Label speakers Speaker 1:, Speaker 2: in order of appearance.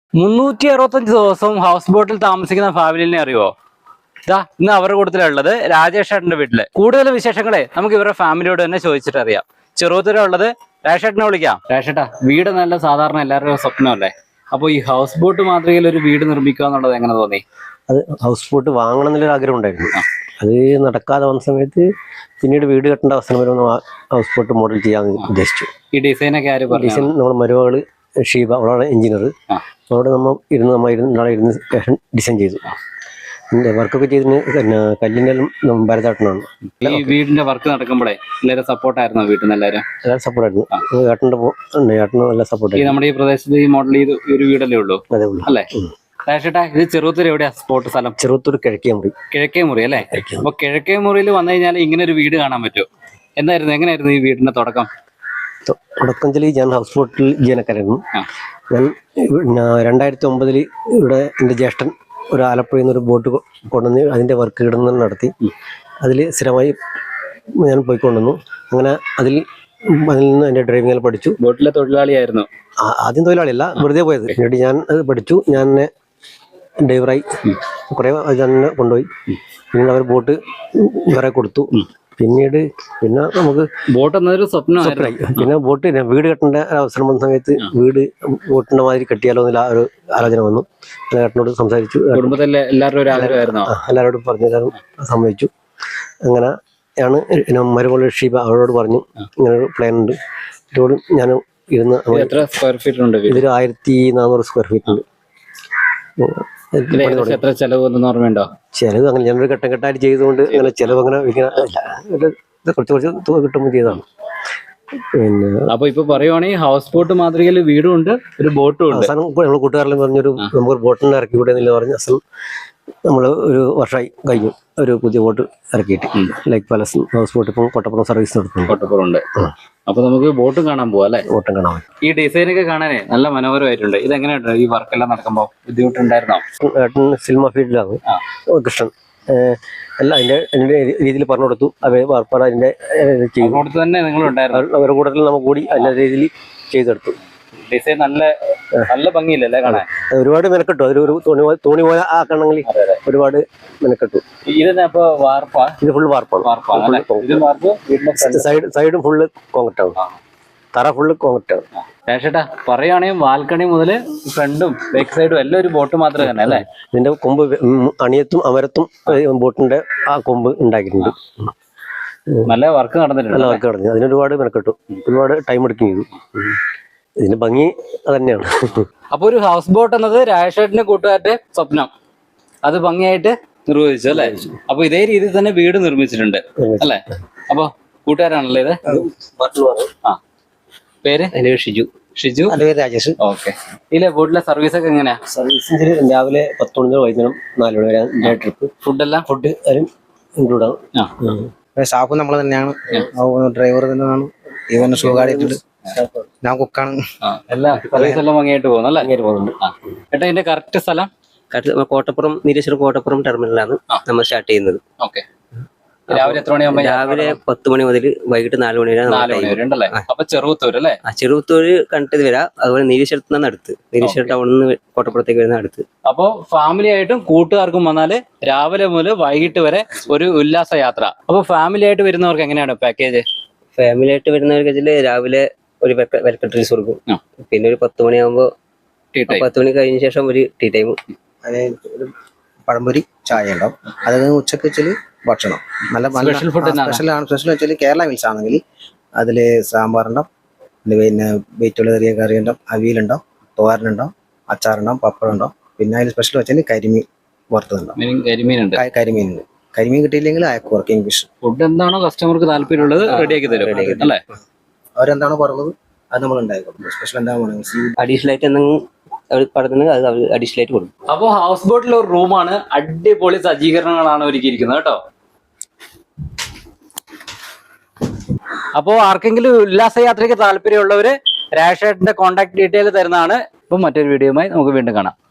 Speaker 1: 365 ദിവസവും ഹൗസ് ബോട്ടിൽ താമസിക്കുന്ന ഫാമിലിനെ അറിയുമോ? ഇന്ന് അവരുടെ കൂട്ടത്തിലുള്ളത് രാജേഷ് ഏട്ടന്റെ വീട്ടില്. കൂടുതൽ വിശേഷങ്ങളെ നമുക്ക് ഇവരുടെ ഫാമിലിയോട് തന്നെ ചോദിച്ചിട്ട് അറിയാം. ചെറുപ്പത്തിലുള്ളത് രാജേഷ് ഏട്ടനെ വിളിക്കാം. രാജേഷ് ഏട്ടാ, വീട് നല്ല സാധാരണ എല്ലാവരുടെയും സ്വപ്നമല്ലേ? അപ്പൊ ഈ ഹൗസ് ബോട്ട് മാതൃകയിൽ ഒരു വീട് നിർമ്മിക്കുക എന്നുള്ളത് എങ്ങനെ തോന്നി?
Speaker 2: അത് ഹൗസ് ബോട്ട് വാങ്ങണം എന്നുള്ളൊരു ആഗ്രഹം ഉണ്ടായിരുന്നു. അത് നടക്കാതെ വന്ന സമയത്ത് പിന്നീട് വീട് കെട്ടേണ്ട അവസരം വരുമ്പോൾ ഹൗസ് ബോട്ട് മോഡൽ ചെയ്യാമെന്ന് ഉദ്ദേശിച്ചു.
Speaker 1: ഈ ഡിസൈനൊക്കെ ആര് പറഞ്ഞു?
Speaker 2: ഡിസൈൻ നമ്മുടെ മരുമകള് ഷീബ, അവളാണ് എഞ്ചിനീയർ. അവിടെ നമ്മൾ ഇരുന്ന് ഡിസൈൻ ചെയ്തു. വർക്കൊക്കെ ചെയ്തിന് കല്ലിൻ്റെ ഭരതാട്ടനാണ്.
Speaker 1: ഈ വീടിന്റെ വർക്ക് നടക്കുമ്പോഴേ എല്ലാവരും സപ്പോർട്ടായിരുന്നു? വീട്ടിൽ നിന്ന് എല്ലാവരും
Speaker 2: സപ്പോർട്ടായിരുന്നു. ഏട്ടന് നല്ല സപ്പോർട്ട്.
Speaker 1: നമ്മുടെ ഈ പ്രദേശത്ത് ഈ മോഡൽ ചെയ്ത് ഒരു വീടല്ലേ ഉള്ളൂ അല്ലേ? രാജേട്ടാ, ഇത് ചെറുത്തൂർ എവിടെയാ സ്പോട്ട് സ്ഥലം?
Speaker 2: ചെറുത്തൂർ കിഴക്കേ മുറി.
Speaker 1: കിഴക്കേ മുറി അല്ലേ? അപ്പൊ കിഴക്കേ മുറിയിൽ വന്നു കഴിഞ്ഞാൽ ഇങ്ങനെ ഒരു വീട് കാണാൻ പറ്റുമോ? എങ്ങനെയായിരുന്നു ഈ വീടിന്റെ തുടക്കം?
Speaker 2: ഞാൻ ഹൗസ് ബോട്ടിൽ ജീവനക്കാരായിരുന്നു. ഞാൻ 2009 ഇവിടെ എൻ്റെ ജ്യേഷ്ഠൻ ഒരു ആലപ്പുഴയിൽ നിന്ന് ഒരു ബോട്ട് കൊണ്ടുവന്ന് അതിൻ്റെ വർക്ക് ഇടുന്ന നടത്തി. അതിൽ സ്ഥിരമായി ഞാൻ പോയിക്കൊണ്ടുവന്നു. അങ്ങനെ അതിൽ നിന്ന് എൻ്റെ ഡ്രൈവിംഗ് പഠിച്ചു.
Speaker 1: ബോട്ടിലെ തൊഴിലാളിയായിരുന്നു?
Speaker 2: ആദ്യം തൊഴിലാളിയല്ല, വെറുതെ പോയത്. പിന്നീട് ഞാൻ അത് പഠിച്ചു. ഞാൻ ഡ്രൈവറായി കുറേ തന്നെ കൊണ്ടുപോയി. പിന്നീട് അവർ ബോട്ട് വേറെ കൊടുത്തു. പിന്നെ നമുക്ക്
Speaker 1: ബോട്ട് എന്നൊരു സ്വപ്നമായി.
Speaker 2: പിന്നെ വീട് കെട്ടേണ്ട അവസരം വന്ന സമയത്ത് വീട് ബോട്ടിന്റെ മാതിരി കെട്ടിയാലോ എന്നുള്ള ഒരു ആലോചന വന്നു. ഏട്ടനോട് സംസാരിച്ചു.
Speaker 1: കുടുംബത്തിലെ
Speaker 2: എല്ലാവരോടും പറഞ്ഞു തരാൻ സമ്മതിച്ചു. അങ്ങനെ ആണ് മരുമകൾ ഷീബ, അവരോട് പറഞ്ഞു ഇങ്ങനെ ഒരു പ്ലാൻ ഉണ്ട്. ഇതോട് ഞാൻ ഇരുന്ന് ഇതൊരു 1400 സ്ക്വയർ ഫീറ്റ് ഉണ്ട്.
Speaker 1: എത്ര ചെലവ് ഓർമ്മയുണ്ടോ?
Speaker 2: ചെലവ് അങ്ങനെ ഞാനൊരു ഘട്ടം ഘട്ടമായിട്ട് ചെയ്തുകൊണ്ട് അങ്ങനെ ചെലവ് അങ്ങനെ കുറച്ച് തുക കിട്ടുമ്പോൾ ചെയ്തതാണ്. പിന്നെ
Speaker 1: അപ്പൊ ഇപ്പൊ പറയുവാണെങ്കിൽ ഹൗസ് ബോട്ട് മാതൃകയിൽ വീടും ഉണ്ട്, ഒരു ബോട്ടും ഉണ്ട്.
Speaker 2: അവസാനം നമ്മൾ കൂട്ടുകാരെല്ലാം പറഞ്ഞൊരു നമുക്ക് ബോട്ടിനെ ഇറക്കി കൂടെ എന്നില്ല പറഞ്ഞ അവസാനം നമ്മൾ ഒരു വർഷമായി കഴിഞ്ഞു ഒരു പുതിയ ബോട്ട് ഇറക്കിയിട്ട്. ലൈക്ക് പാലസ് ഹൗസ് ബോട്ട് ഇപ്പം കോട്ടപ്പുറം സർവീസ് നടത്തുന്നു.
Speaker 1: കോട്ടപ്പുറം ഉണ്ട്. അപ്പൊ നമുക്ക് ബോട്ടും കാണാൻ പോവാ അല്ലെ?
Speaker 2: ബോട്ടും കാണാൻ.
Speaker 1: ഈ ഡിസൈനൊക്കെ കാണാനേ നല്ല മനോഹരമായിട്ടുണ്ട്. ഇതെങ്ങനെയുണ്ട് ഈ വർക്കെല്ലാം നടക്കുമ്പോ? ബുദ്ധിമുട്ടുണ്ടായിരുന്നോ?
Speaker 2: ഏട്ടൻ സിനിമ ഫീൽഡിലാണ് കൃഷ്ണൻ. എല്ലാം അതിന്റെ രീതിയിൽ പറഞ്ഞു കൊടുത്തു. വാർപ്പാട് അതിന്റെ
Speaker 1: തന്നെ നിങ്ങളുണ്ടായിരുന്നു.
Speaker 2: അവരുടെ കൂട്ടത്തിൽ നമുക്ക് കൂടി അതിന്റെ രീതിയിൽ ചെയ്തെടുത്തു.
Speaker 1: ഡിസൈൻ നല്ല ഭംഗിയില്ലല്ലേ കാണാൻ?
Speaker 2: ഒരുപാട് മെനക്കെട്ടു. അതൊരു തോണി പോലെ ആക്കണമെങ്കിൽ ഒരുപാട് മെനക്കെട്ടു.
Speaker 1: ഇതിപ്പോ വാർപ്പാ? ഇത് ഫുൾ
Speaker 2: വാർപ്പാണ്. സൈഡും ഫുള്ള് കോൺക്രീറ്റ് ആണ്. തറ ഫുള്ള് കോൺക്രീറ്റ് ആണ്.
Speaker 1: ചേട്ടാ, പറയുകയാണെങ്കിൽ ബാൽക്കണി മുതൽ ഫ്രണ്ടും ബാക്ക് സൈഡും എല്ലാം ഒരു ബോട്ട് മാത്രമേ തന്നെ അല്ലേ?
Speaker 2: ഇതിന്റെ കൊമ്പ് അണിയത്തും അമരത്തും ബോട്ടിന്റെ ആ കൊമ്പ് ഉണ്ടാക്കിയിട്ടുണ്ട്.
Speaker 1: നല്ല വർക്ക് നടന്നിട്ടുണ്ട്.
Speaker 2: അതിനൊരുപാട് മെനക്കെട്ടു. ഒരുപാട് ടൈം എടുക്കുകയും ചെയ്തു. ഇതിന്റെ ഭംഗി അതന്നെയാണ്.
Speaker 1: അപ്പൊ ഒരു ഹൗസ് ബോട്ട് എന്നത് രാജേഷേട്ടന്റെ കൂട്ടുകാരുടെ സ്വപ്നം. അത് ഭംഗിയായിട്ട് നിർവഹിച്ചു അല്ലെ? അപ്പൊ ഇതേ രീതിയിൽ തന്നെ വീട് നിർമ്മിച്ചിട്ടുണ്ട് അല്ലെ? അപ്പൊ കൂട്ടുകാരാണല്ലേ ഇത്? പേര്? ഷിജു.
Speaker 2: രാജേഷ്.
Speaker 1: ഓക്കെ. ഇല്ലേ, ബോട്ടിലെ സർവീസ് ഒക്കെ എങ്ങനെയാ?
Speaker 2: സർവീസ് രാവിലെ 10 മണി വൈകുന്നേരം 4 മണി വരെ ട്രിപ്പ്.
Speaker 1: ഫുഡ്
Speaker 2: ഇൻക്ലൂഡ് ആണ്.
Speaker 3: സ്റ്റാഫ് നമ്മൾ തന്നെയാണ്. ഡ്രൈവർ തന്നെയാണ്. ഇവൻ സുഖമായിട്ടുണ്ട്. ഞാൻ കുക്കാണ്.
Speaker 1: എല്ലാ സർവീസ് എല്ലാം ഭംഗിയായിട്ട് പോകുന്നല്ലേ?
Speaker 2: പോകുന്നുണ്ട്.
Speaker 1: ഏട്ടാ, ഇതിന്റെ കറക്റ്റ് സ്ഥലം?
Speaker 2: കോട്ടപ്പുറം, നീലേശ്വരം കോട്ടപ്പുറം ടെർമിനലാണ് നമ്മൾ സ്റ്റാർട്ട് ചെയ്യുന്നത്.
Speaker 1: ഓക്കെ. രാവിലെ എത്ര മണിയാകുമ്പോ?
Speaker 2: രാവിലെ 10 മണി മുതൽ വൈകിട്ട് 4 മണി വരെ.
Speaker 1: 4 മണി വരെ ഉണ്ടല്ലേ? അപ്പൊ ചെറുത്തൂർ അല്ലേ?
Speaker 2: ചെറുത്തൂര് കണ്ടിട്ട് വരാം. അതുപോലെ നീലേശ്വരത്ത് നിന്നാണ് അടുത്ത്. നീലേശ്വരം ടൗണിൽ നിന്ന് കോട്ടപ്പുറത്തേക്ക് വരുന്ന അടുത്ത്.
Speaker 1: അപ്പൊ ഫാമിലി ആയിട്ടും കൂട്ടുകാർക്കും വന്നാല് രാവിലെ മുതൽ വൈകിട്ട് വരെ ഒരു ഉല്ലാസ യാത്ര. അപ്പൊ ഫാമിലി ആയിട്ട് വരുന്നവർക്ക് എങ്ങനെയാണ് പാക്കേജ്?
Speaker 2: ഫാമിലി ആയിട്ട് വരുന്നവർക്ക് രാവിലെ ഒരു വെൽക്കം ഡ്രിങ്ക്സ് കൊടുക്കും. പിന്നെ ഒരു 10 മണിയാകുമ്പോ 10 മണി കഴിഞ്ഞ ശേഷം ഒരു ടീ ടൈം.
Speaker 3: അതായത് ഒരു പഴംപൊരി ചായ ഉണ്ടാവും. അത് ഉച്ചക്ക് വെച്ചാല് ഭക്ഷണം നല്ല സ്പെഷ്യലാണ്. സ്പെഷ്യൽ വെച്ചാൽ കേരള മീൽസ് ആണെങ്കിൽ അതില് സാമ്പാറുണ്ടാവും, പിന്നെ വെയിറ്റുള്ള ചെറിയ കറി ഉണ്ടാവും, അവിയലുണ്ടാവും, തോരനുണ്ടാവും, അച്ചാറുണ്ടാവും, പപ്പടം ഉണ്ടാവും. പിന്നെ അതിൽ സ്പെഷ്യൽ വെച്ചാൽ കരിമീൻ വറുത്തതുണ്ടാവും. കരിമീനുണ്ട്. കരിമീൻ കിട്ടിയില്ലെങ്കിൽ അയക്ക് വർക്കിംഗ് ഫിഷ്.
Speaker 1: ഫുഡ് എന്താണോ കസ്റ്റമർക്ക് താല്പര്യമുള്ളത് റെഡിയാക്കി തരും അല്ലേ?
Speaker 3: അവരെന്താണോ പറഞ്ഞത് അത് നമ്മൾ ഉണ്ടാക്കി കൊടുക്കും. സ്പെഷ്യൽ എന്താ
Speaker 2: അഡീഷണൽ ആയിട്ട് എന്തെങ്കിലും അഡീഷണൽ ആയിട്ട് കൊടുക്കും.
Speaker 1: അപ്പോ ഹൗസ് ബോട്ടിലെ ഒരു റൂമാണ്. അടിപൊളി സജ്ജീകരണങ്ങളാണ് ഒരുക്കിയിരിക്കുന്നത് കേട്ടോ. അപ്പോ ആർക്കെങ്കിലും ഉല്ലാസയാത്രയ്ക്ക് താല്പര്യമുള്ളവര് രാജേഷേട്ടന്റെ കോൺടാക്ട് ഡീറ്റെയിൽ തരുന്നതാണ്. ഇപ്പം മറ്റൊരു വീഡിയോയുമായി നമുക്ക് വീണ്ടും കാണാം.